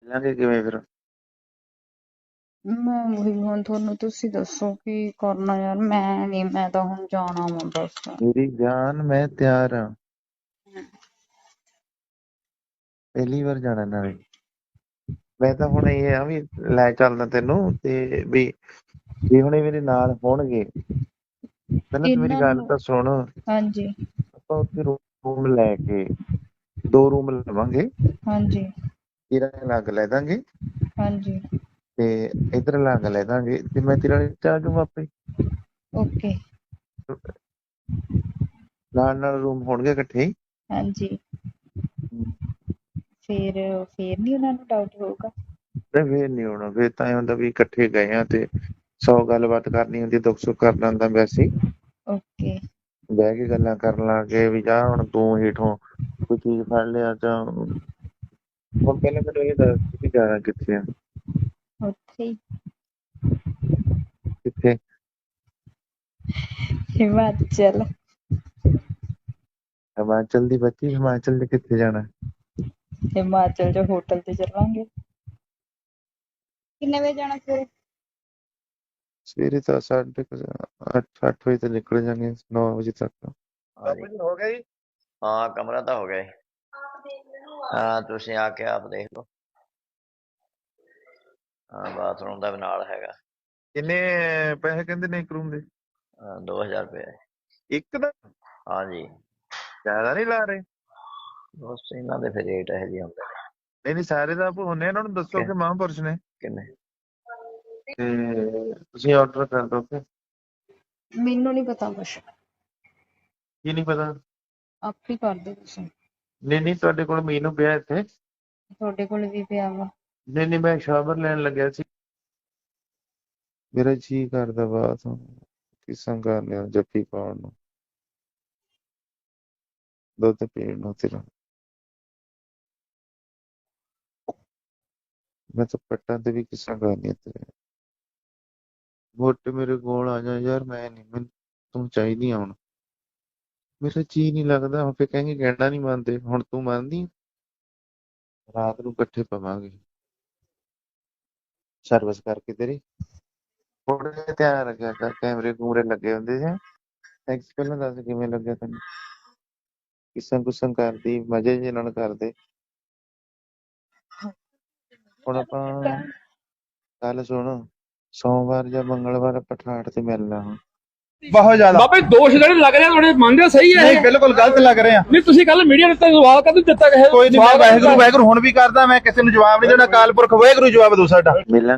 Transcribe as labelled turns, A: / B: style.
A: ਮਿਲਾਂਗੇ ਕਿਵੇਂ ਫਿਰ?
B: ਮੈਂ ਉਹੀ ਹੁਣ ਤੁਹਾਨੂੰ ਤੁਸੀਂ ਦੱਸੋ ਕੀ ਕਰਨਾ ਯਾਰ। ਮੈਂ ਤਾਂ ਹੁਣ ਜਾਣਾ ਵਾ ਬਸ।
A: ਮੇਰੀ ਜਾਨ ਮੈਂ ਤਿਆਰ ਹਾਂ। ਪਹਿਲੀ ਵਾਰ ਜਾਣਾ ਨਾਲੇ। ਮੈਂ ਤਾਂ ਹੁਣ ਇਹ ਆ ਵੀ ਲੈ ਚੱਲਦਾ ਤੈਨੂੰ ਤੇ ਵੀ ਹੁਣੇ ਮੇਰੇ ਨਾਲ ਹੋਣਗੇ। ਪਹਿਲਾਂ ਤੂੰ ਮੇਰੀ
B: ਇਹਨਾਂ
A: ਗੱਲ
B: ਨੂੰ
A: ਤਾਂ ਸੁਣ।
B: ਹਾਂਜੀ
A: ਆਪਾਂ ਉੱਥੇ ਰੂਮ ਲੈ ਕੇ 2 ਰੂਮ ਲਵਾਂਗੇ।
B: ਹਾਂਜੀ
A: ਤੇਰਾ ਅਲੱਗ ਲੈ ਦਾਂਗੇ
B: ਹਾਂਜੀ
A: ਤੇ ਇੱਧਰ ਅਲੱਗ ਲੈ ਦਾਂਗੇ ਤੇ ਮੈਂ ਤੇਰਾ ਆ ਜਾਊਂਗਾ ਆਪੇ।
B: ਓਕੇ
A: ਨਾਲ ਰੂਮ ਹੋਣਗੇ ਇਕੱਠੇ ਹੀ।
B: ਹਾਂਜੀ ਫੇਰ ਨਹੀਂ ਉਹਨਾਂ ਨੂੰ ਡਾਊਟ ਹੋਊਗਾ।
A: ਤੇ ਫੇਰ ਨਹੀਂ ਹੋਣਾ। ਫੇਰ ਤਾਂ ਇਹ ਹੁੰਦਾ ਵੀ ਇਕੱਠੇ ਗਏ ਆ ਤੇ 100 ਗੱਲਬਾਤ ਕਰਨੀ ਹੁੰਦੀ, ਦੁੱਖ ਸੁੱਖ ਕਰਨਾ ਹੁੰਦਾ। ਵੈਸੇ ਹੀ
B: ਓਕੇ
A: ਬਹਿ ਕੇ ਗੱਲਾਂ ਕਰਨ ਲੱਗੇ ਵੀ ਜਾ ਹੁਣ ਤੂੰ ਹੀਠੋਂ ਕੋਈ ਚੀਜ਼ ਫੜ ਲਿਆ ਜਾਂ ਹੁਣ ਪਹਿਲਾਂ ਮੈਨੂੰ ਇਹ ਦੱਸ ਤੁਸੀਂ ਜਾਣਾ ਕਿੱਥੇ ਆ?
B: ਉੱਥੇ ਹੀ
A: ਕਿੱਥੇ?
B: ਹਿਮਾਚਲ।
A: ਹਿਮਾਚਲ ਦੀ ਬੱਚੀ, ਹਿਮਾਚਲ ਦੇ ਕਿੱਥੇ ਜਾਣਾ?
B: ਹਿਮਾਚਲ ਚ ਹੋਟਲ ਤੇ ਚੱਲਾਂਗੇ। ਕਿੰਨੇ ਵਜੇ ਜਾਣਾ ਸਵੇਰੇ?
A: ਸਵੇਰੇ ਤਾਂ 8 ਵਜੇ ਤੇ ਨਿਕਲ ਜਾਂਗੇ 9 ਵਜੇ ਤੱਕ।
C: ਹੋ ਗਿਆ ਜੀ? ਹਾਂ ਕਮਰਾ ਤਾਂ ਹੋ ਗਿਆ ਜੀ। ਹਾਂ ਤੁਸੀਂ ਆ ਕੇ ਆਪ ਦੇਖ ਲਓ। ਹਾਂ ਬਾਥਰੂਮ ਦਾ ਵੀ ਨਾਲ ਹੈਗਾ।
A: ਕਿੰਨੇ ਪੈਸੇ ਕਹਿੰਦੇ ਨੇ ਇੱਕ ਰੂਮ ਦੇ?
C: 2000 ਰੁਪਏ
A: ਇੱਕ ਦਾ?
C: ਹਾਂਜੀ।
A: ਜ਼ਿਆਦਾ ਨਹੀਂ ਲਾ ਰਹੇ?
C: ਬਸ ਇਹਨਾਂ ਦੇ ਫਿਰ ਰੇਟ ਇਹੋ ਜਿਹੇ ਹੁੰਦੇ ਨੇ।
A: ਨਹੀਂ ਸਾਰੇ ਦਾ ਹੁੰਨੇ। ਇਹਨਾਂ ਨੂੰ ਦੱਸੋ ਕਿ ਮਹਾਂਪੁਰਸ਼ ਨੇ
C: ਕਿੰਨੇ
A: ਤੇ ਤੁਸੀਂ ਆਰਡਰ ਕਰ ਦੋ। ਕਿ
B: ਮੈਨੂੰ ਨਹੀਂ ਪਤਾ ਕੁਛ।
A: ਕੀ ਨਹੀਂ ਪਤਾ?
B: ਆਪ ਹੀ ਕਰ ਦਿਓ ਤੁਸੀਂ।
A: ਨਹੀਂ ਤੁਹਾਡੇ ਕੋਲ ਮੀਨੂ ਪਿਆ ਇੱਥੇ?
B: ਤੁਹਾਡੇ ਕੋਲ ਵੀ ਪਿਆ ਵਾ।
A: ਨਹੀਂ ਮੈਂ ਸ਼ਾਵਰ ਲੈਣ ਲੱਗਿਆ ਸੀ। ਮੇਰਾ ਜੀ ਕਰਦਾ ਬਾਤ ਕਿਸਮ ਕਰ ਲਿਆ ਜੱਫੀ ਪਾਉਣ ਨੂੰ, ਦੁੱਧ ਪੀਣ ਨੂੰ ਤੇਰਾ। ਮੈਂ ਤਾਂ ਪੱਟਾਂ ਤੇ ਵੀ ਕਿਸਮ ਕਰਨੀ ਤੇਰੇ। ਮੋਟੇ ਮੇਰੇ ਕੋਲ ਆ ਜਾ ਯਾਰ। ਮੈਂ ਨਹੀਂ, ਮੈਨੂੰ ਤੂੰ ਚਾਹੀਦੀ ਹੁਣ। ਮੇਰਾ ਜੀ ਨਹੀਂ ਲੱਗਦਾ। ਹੁਣ ਫਿਰ ਕਹਿੰਗੇ ਕਹਿਣਾ ਨਹੀਂ ਮੰਨਦੇ। ਹੁਣ ਤੂੰ ਮੰਨਦੀ? ਰਾਤ ਨੂੰ ਇਕੱਠੇ ਪਵਾਂਗੇ ਸਰਵਿਸ ਕਰਕੇ ਤੇਰੀ। ਥੋੜਾ ਜਿਹਾ ਧਿਆਨ ਰੱਖਿਆ ਕਰ, ਕੈਮਰੇ ਕੂਮਰੇ ਲੱਗੇ ਹੁੰਦੇ ਸੀ। ਟੈਕਸ ਪਹਿਲਾਂ ਦੱਸ ਕਿਵੇਂ ਲੱਗਿਆ ਤੈਨੂੰ? ਕਿਸਮ ਕੁਸਮ ਕਰਦੀ ਮਜ਼ੇ ਜਿਹੇ ਨਾਲ ਕਰਦੇ। ਹੁਣ ਆਪਾਂ ਗੱਲ ਸੁਣ, ਸੋਮਵਾਰ ਜਾਂ ਮੰਗਲਵਾਰ ਆਪਾਂ ਠਾਠ ਤੇ ਮਿਲਣਾ ਹੁਣ।
D: ਬਹੁਤ ਜ਼ਿਆਦਾ
E: ਬਾਬਾ ਜੀ ਦੋਸ਼ ਜਿਹੜੇ ਲੱਗ ਰਹੇ ਆ ਤੁਹਾਡੇ ਮੰਨਦੇ ਹੋ ਸਹੀ ਹੈ
D: ਨਹੀਂ
E: ਇਹ?
D: ਬਿਲਕੁਲ ਗਲਤ ਲੱਗ ਰਹੇ ਆ।
E: ਨਹੀਂ ਤੁਸੀਂ ਕੱਲ ਮੀਡੀਆ ਨੂੰ ਤਾਂ ਸਵਾਲ ਕਦੋਂ ਦਿੱਤਾ ਕਿਸੇ
D: ਕੋਈ ਨਹੀਂ, ਮੈਂ ਵਾਹਿਗੁਰੂ ਵਾਹਿਗੁਰੂ ਹੁਣ ਵੀ ਕਰਦਾ। ਮੈਂ ਕਿਸੇ ਨੂੰ ਜਵਾਬ ਨਹੀਂ ਦੇਣਾ। ਅਕਾਲ ਪੁਰਖ ਵਾਹਿਗੁਰੂ ਜਵਾਬ ਦੋ ਸਾਡਾ।
A: ਮਿਲਣ